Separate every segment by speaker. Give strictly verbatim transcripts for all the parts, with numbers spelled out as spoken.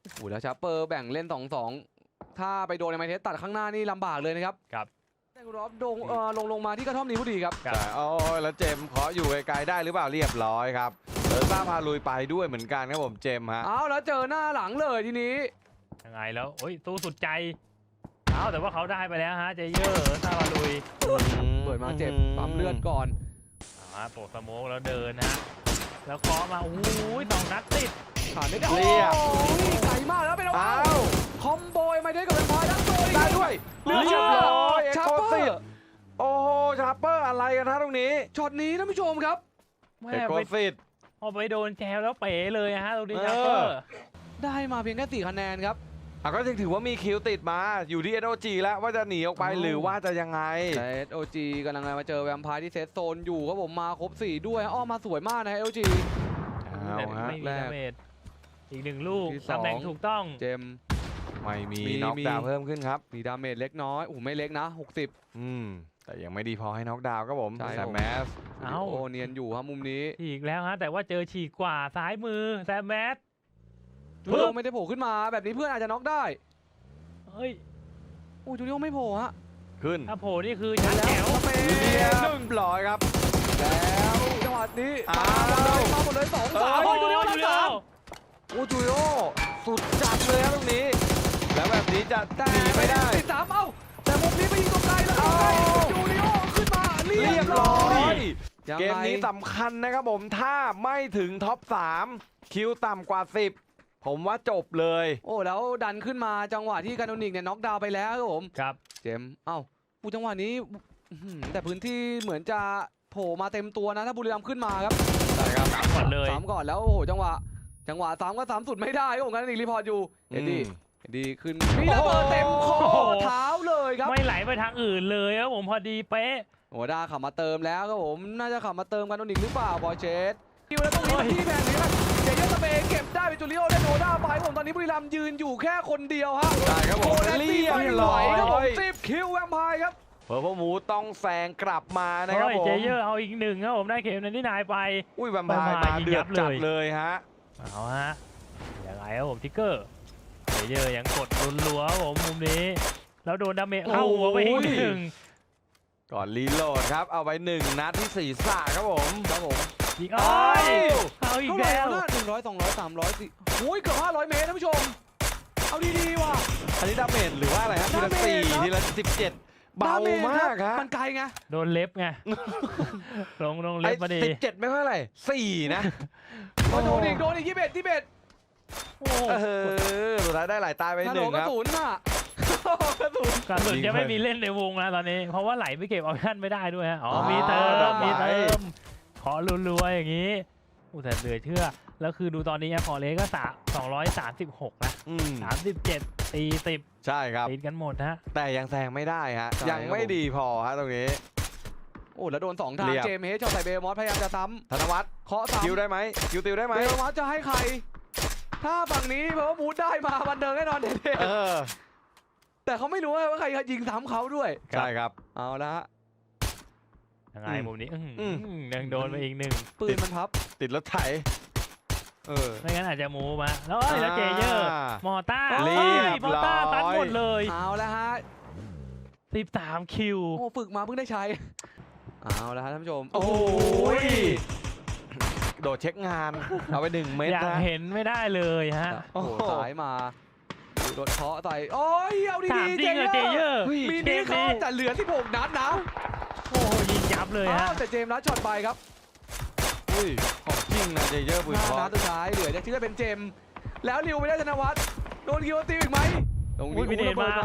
Speaker 1: โอ้แล้วชาเปอร์แบ่งเล่น สอง สอง ถ้าไปโดนในไมเทสตัดข้างหน้านี่ลำบากเลยนะครับ
Speaker 2: ครับ
Speaker 1: แดงรอบดงเอ่อลงลงมาที่กระท่อมนี้พอดีครับ
Speaker 3: แต่โอ้ยแล้วเจมขออยู่ไกลๆได้หรือเปล่าเรียบร้อยครับเออซ่าพาลุยไปด้วยเหมือนกันครับผมเจมฮะ
Speaker 1: เอาแล้วเจอหน้าหลังเลยทีนี้
Speaker 2: ยังไงแล้วโอ้ยสู้สุดใจเอาแต่ว่าเขาได้ไปแล้วฮะเจเยอร์ซาบาลุย
Speaker 1: เปิดมาเจ็บปั๊มเลือดก่อน
Speaker 2: อ่าโปรสโมกแล้วเดินนะแล้วเคาะมาโอ้ยสองนัดติด
Speaker 1: ขาดไม่ได้โอ้ยไกลมากแล้วเป็นว้าวคอมโบไมเทสกับเป็นพอยทั้งตัว
Speaker 3: ได้ด้วย
Speaker 1: เรียบร้อยชาเปอร์
Speaker 3: โอ้โหชาเปอร์อะไรกันฮะตรงนี้
Speaker 1: ช็อตนี้ท่านผู้ชมครับ
Speaker 3: เอกโกซิต
Speaker 2: พอไปโดนแจวแล้วเป๋เลยฮะตรงนี้ชาเปอร์
Speaker 1: ได้มาเพียงแค่สี่คะแนนครับ
Speaker 3: อ่ะก็ยังถือว่ามีคิวติดมาอยู่ที่ เอส โอ จี แล้วว่าจะหนีออกไปหรือว่าจะยังไง
Speaker 1: เอส โอ จี กำลังมาเจอแวมไพร์ที่เซตโซนอยู่ครับผมมาครบสี่ด้วยอ้อมาสวยมากนะ เอส โอ จี
Speaker 2: ไม่มีดาเมจอีกหนึ่งลูกตำแหน่งถูกต้อง
Speaker 1: เจม
Speaker 3: ไม่มีน็อกดาวน์เพิ่มขึ้นครับ
Speaker 1: มีดาเมจเล็กน้อยโอ้ไม่เล็กนะหกสิบ
Speaker 3: อืมแต่ยังไม่ดีพอให้น็อกดาวน์ครับผมแซมแมส
Speaker 1: โอ้เนียนอยู่ครับมุมนี้
Speaker 2: อีกแล้วฮะแต่ว่าเจอฉีกกว่าซ้ายมือแซมแมส
Speaker 1: จูเลียไม่ได้โผล่ขึ้นมาแบบนี้เพื่อนอาจจะน็อกได้
Speaker 2: เฮ้ย
Speaker 1: โอ้จูเลียไม่โผล่ฮะ
Speaker 3: ขึ้น
Speaker 2: ถ้าโผล่นี่คือชั้นแถว
Speaker 3: เรียบร้อยครับ
Speaker 1: แล้วจังหวะนี้มาเลยมาหมดเลยสองสามโอ้จูเลียจูเลีย
Speaker 3: โอ้จูเลียสุดจัดเลยครับตรงนี้แล้วแบบนี้จะหนีไม่ได้
Speaker 1: ติดสามเอ้าแต่มุมนี้ไปยิงตรงไกลแล้วจูเลียขึ้นมาเรียบร้อย
Speaker 3: เกมนี้สำคัญนะครับผมถ้าไม่ถึงท็อปสามคิวต่ำกว่าสิบผมว่าจบเลย
Speaker 1: โอ้แล้วดันขึ้นมาจังหวะที่การโนนิกเนี่ยน็อกดาวน์ไปแล้วครับผม
Speaker 2: ครับ
Speaker 1: เจมเอ้าปูจังหวะนี้แต่พื้นที่เหมือนจะโผล่มาเต็มตัวนะถ้าบุรีรัมย์ขึ้นมาครับ
Speaker 3: ใช่ครับ
Speaker 2: สามก่อนเลย
Speaker 1: สามก่อนแล้วโอ้โหจังหวะจังหวะสามก็สามสุดไม่ได้ครับผมการโนนิกรีพอร์ตอยู่เอ็ดดี้เอ็ดดี้ขึ้นมีระเบิดเต็มคอเท้าเลยครับ
Speaker 2: ไม่ไหลไปทางอื่นเลยครับผมพอดีเป๊ะ
Speaker 1: โอ้ด้าขับมาเติมแล้วครับผมน่าจะขับมาเติมการโนนิกหรือเปล่าบอยเชสที่วันตรงนี้ที่แพงนี้ครับเจเยอร์สเปย์เก็บได้เป็นจูเลียได้โนด้าไปผมตอนนี้บุรีรัมย์ยืนอยู่แค่คนเดียวฮะ
Speaker 3: ใช่ครับผม
Speaker 1: เรียบร้อยครับผมสิบคิวแวมไพร์ครับ
Speaker 3: เพอร์พมูต้องแซงกลับมานะครับผม
Speaker 2: เจเยอร์เอาอีกหนึ่งครับผมได้เข็มนั้นที่นายไป
Speaker 3: อุ้ยแวมไพร์มาเดือดจัดเลยฮะ
Speaker 2: เอาฮะยังไงครับผมทิกเกอร์เจเยอร์ยังกดรัวๆผมมุมนี้แล้วโดนดาเมจเข้าหัวไปอีกหนึ่ง
Speaker 3: ก่อนรีโหลดครับเอาไปหนึ่งนัดที่ศีรษะครับผม
Speaker 1: ครับผม
Speaker 2: ยิงอ้อยเอาอีกแล้ว
Speaker 1: หนึ่งร้อยสองร้อยสามร้อยสี่โอ้ยเกือบห้าร้อยเมตรท่านผู้ชมเอาดีๆว่ะ
Speaker 3: อันนี้ดาเมจหรือว่าอะไรครับทีละสี่ทีละสิบเจ็ดเบามากครับ
Speaker 1: มันไกลไง
Speaker 2: โดนเล็บไงลงลงเล็บมาดี
Speaker 3: สิบเจ็ดไม่เท่าไหร่สี่นะ
Speaker 1: โดนอีกโดนอีกยี่สิบเอ็ดยี่สิบเอ็ด
Speaker 3: โอ้เออสุดท้ายได้หลายตายไปหนึ่งครับ
Speaker 1: กระสุนอ่ะ
Speaker 2: กระสุนกระสุนจะไม่มีเล่นในวงแล้วตอนนี้เพราะว่าไหลไปเก็บออปชั่นไม่ได้ด้วยฮะอ๋อมีเติมมีเติมขอรัวๆอย่างนี้อู้แต่เหลือเชื่อแล้วคือดูตอนนี้พอเลก็สามสองร้อยสามสิบหกนะสามสิบเจ็ดตีสิบ
Speaker 3: ใช่ครับ
Speaker 2: ติดกันหมดฮะ
Speaker 3: แต่ยังแซงไม่ได้ฮะยังไม่ดีพอฮะตรงนี้
Speaker 1: โอ้แล้วโดนสองทางเจมเฮชชอบใส่เบลมอสพยายามจะซ้
Speaker 3: ำธนวัฒน์
Speaker 1: เคาะซ้ำ
Speaker 3: คิวได้ไหมคิวติวได้ไหม
Speaker 1: เบลมอสจะให้ใครถ้าฝั่งนี้เพราะว่าบูธได้มาบันเทิงแน่นอนเด็ดแต่เขาไม่รู้ว่าใครยิงซ้ำเขาด้วย
Speaker 3: ใช่ครับ
Speaker 1: เอาละ
Speaker 2: ยังไงมุมนี้ยังโดนไปอีกหนึ่ง
Speaker 1: ปืนมันพับ
Speaker 3: ติดรถไถ
Speaker 1: เออ
Speaker 2: ไม่งั้นอาจจะมูมาแล้วแล้วเจเยอร์มอต้า
Speaker 3: เรียบร้อย
Speaker 2: มอต้าตัดหมดเลย
Speaker 1: เอาละฮะ
Speaker 2: สิบสามคิว
Speaker 1: โอ้ฝึกมาเพิ่งได้ใช้เอาละฮะท่านผู้ชม
Speaker 3: โอ้ยโดดเช็คงานเอาไปหนึ่งเมตร
Speaker 2: อยากเห็นไม่ได้เลยฮะ
Speaker 1: โอ้สายมาโดนเคาะใส่โอ้ยเอาดีๆเจเยอร์มีนี้เขาแต่เหลือที่หกนัดนะ
Speaker 2: โอ้ยิงยับเลยฮะ
Speaker 1: แต่เจมส์นัดช็อตไปครับ
Speaker 3: อุ้ยของจริงนะเจเยอร์ปืน
Speaker 1: เคาะนัดสุดท้ายเหลือจะที่จะเป็นเจมส์แล้วริวไม่ได้ธนวัฒน์โดนคิวติวอีกไหม
Speaker 2: ตรงนี้มีเดนมา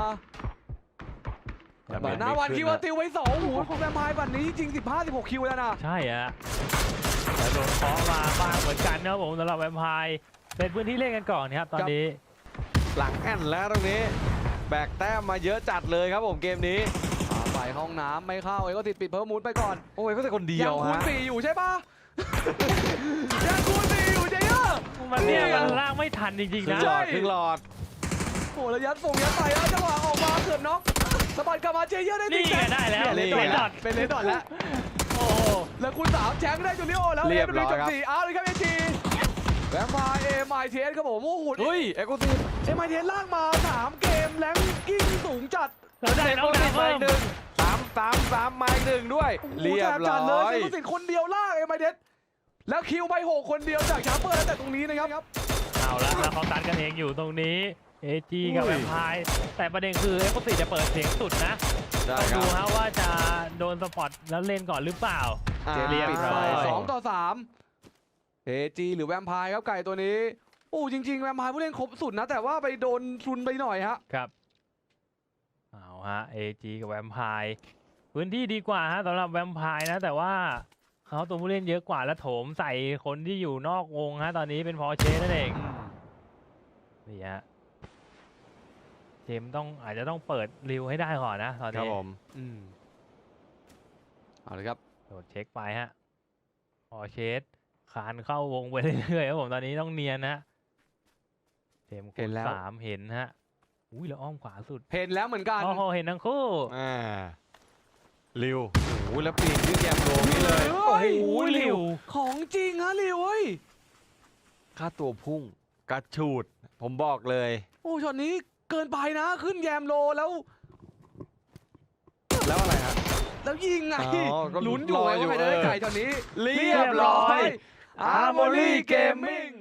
Speaker 1: หน้าวันคิวติวไว้สองหูของแวมไพร์บัตรนี้จริงสิบห้า สิบหกคิวแล้วนะ
Speaker 2: ใช่ฮะแต่โดนเคาะมาบ้างเหมือนกันนะผมสำหรับแวมไพร์เป็นพื้นที่เล่นกันก่อนครับตอนนี้
Speaker 3: หลังแอนแล้วตรงนี้แบกแต้มมาเยอะจัดเลยครับผมเกมนี้
Speaker 1: ไปห้องน้ำไม่เข้าเอ้ก็ติดปิดเพิ่มมูดไปก่อน
Speaker 3: โอ้ยก็แต่คนเดียว
Speaker 1: ยังคูณสี่อยู่ใช่ปะยังคูณสี่อยู่เจเยอร์
Speaker 2: มันเนี่ยมันลากไม่ทันจริงๆนะ
Speaker 3: ใช่ครึ่งหลอด
Speaker 1: โอ้แล้วยัดส่งยัดไปแล้วจังหวะออกมาเกือบน็อกสะบัดกลับมาเจเยอร์ได้
Speaker 2: ติดได้แล้ว
Speaker 1: เป็นเลนดอทเป็นเลนดอทแล้วโอ้แล้วคูณสามแชงได้จูเลียโอแล้ว
Speaker 3: เรียบร้อย
Speaker 1: ครับสี่เอาเลยครับเอจีแวมไพร์เอ็มไอทีเอสครับผมโอ้โห
Speaker 3: เฮ้ยเอ็กซ์คลูซีฟ
Speaker 1: เอ็มไอทีเอสลากมาสามเกมแรงกิ้งสูงจัด
Speaker 2: แล้วได้
Speaker 3: เอ็กซ์
Speaker 2: น้
Speaker 3: ค
Speaker 2: อง
Speaker 3: ลูซี
Speaker 2: ดา
Speaker 3: ฟ
Speaker 2: ว
Speaker 3: มา
Speaker 2: เพิ่ม
Speaker 3: อีกหนึ่งสามสามสามมาอีกหนึ่งด้วย
Speaker 1: โอ้โห
Speaker 3: เรียบ
Speaker 1: แสบ
Speaker 3: ร้
Speaker 1: จัดเลย
Speaker 3: อย
Speaker 1: เซนสิทธิ์คนเดียวลากเอ็มไอทีเอสแล้วคิวไปหกคนเดียวจากชาร์เปอร์แล้วแต่ตรงนี้นะครับ
Speaker 2: เอาละแล้วเขาตัดกันเองอยู่ตรงนี้เอจีกับ
Speaker 3: อุ้
Speaker 2: แวย มไพร์แต่ประเด็นคือเอ็กซ์ติจะเปิดเสียงสุดนะ
Speaker 3: ได้
Speaker 2: ต้อง
Speaker 3: ครั
Speaker 2: ดู
Speaker 3: บ
Speaker 2: ฮะว่าจะโดนสปอตแล้วเล่นก่อนหรือเปล่า
Speaker 3: อ่า
Speaker 1: เจ
Speaker 2: เรี
Speaker 1: เรีย
Speaker 2: ย
Speaker 1: บบ ปิด
Speaker 2: ร้
Speaker 1: ไฟ
Speaker 2: อย
Speaker 1: สองต่อสามเอจีหรือแวมไพร์ครับไก่ตัวนี้โอ้จริงๆแวมไพร์ผู้เล่นครบสุดนะแต่ว่าไปโดนชุนไปหน่อยฮะ
Speaker 2: ครับเอาฮะเอจีกับแวมไพร์พื้นที่ดีกว่าฮะสำหรับแวมไพร์นะแต่ว่าเขาตัวผู้เล่นเยอะกว่าและโถมใส่คนที่อยู่นอกวงฮะตอนนี้เป็นพอเชสนั่นเองนี่ฮะเจมส์ต้องอาจจะต้องเปิดริวให้ได้ก่อนนะตอน
Speaker 3: ครับ
Speaker 2: นี้
Speaker 3: ผม
Speaker 1: อืมเอาเลยครับ
Speaker 2: โดดเช็คไปฮะพอเชสคานเข้าวงไปเรื่อยๆครับผมตอนนี้ต้องเนียนนะเจมส์
Speaker 1: เห็นแล้ว
Speaker 2: สามเห็นฮะอุ้ยแล้วอ้อมขวาสุด
Speaker 1: เห็นแล้วเหมือนกัน
Speaker 2: โอ้โหเห็นทั้งคู่
Speaker 3: อ่าริวโอ้โหแล้วปีนขึ้นแยมโลนี่เลย
Speaker 1: โอ้
Speaker 3: โอ้
Speaker 1: โห
Speaker 3: โห
Speaker 2: หลิว
Speaker 1: ของจริงฮะลิวเว้ย
Speaker 3: ค่าตัวพุ่งกระชูด ผมบอกเลย
Speaker 1: โอ้ช็อตนี้เกินไปนะขึ้นแยมโลแล้ว
Speaker 3: แล้วอะไรฮะ
Speaker 1: แล้วยิงไง
Speaker 3: อ๋อก็
Speaker 1: ลุ้นอยู่
Speaker 3: รอ
Speaker 1: ไง
Speaker 3: อยู่
Speaker 1: ว่าใครจะได้
Speaker 3: เออ
Speaker 1: ไก่ช็อตนี้
Speaker 3: เรียบร้อย
Speaker 1: อาร์โมลี่เกมมิ่ง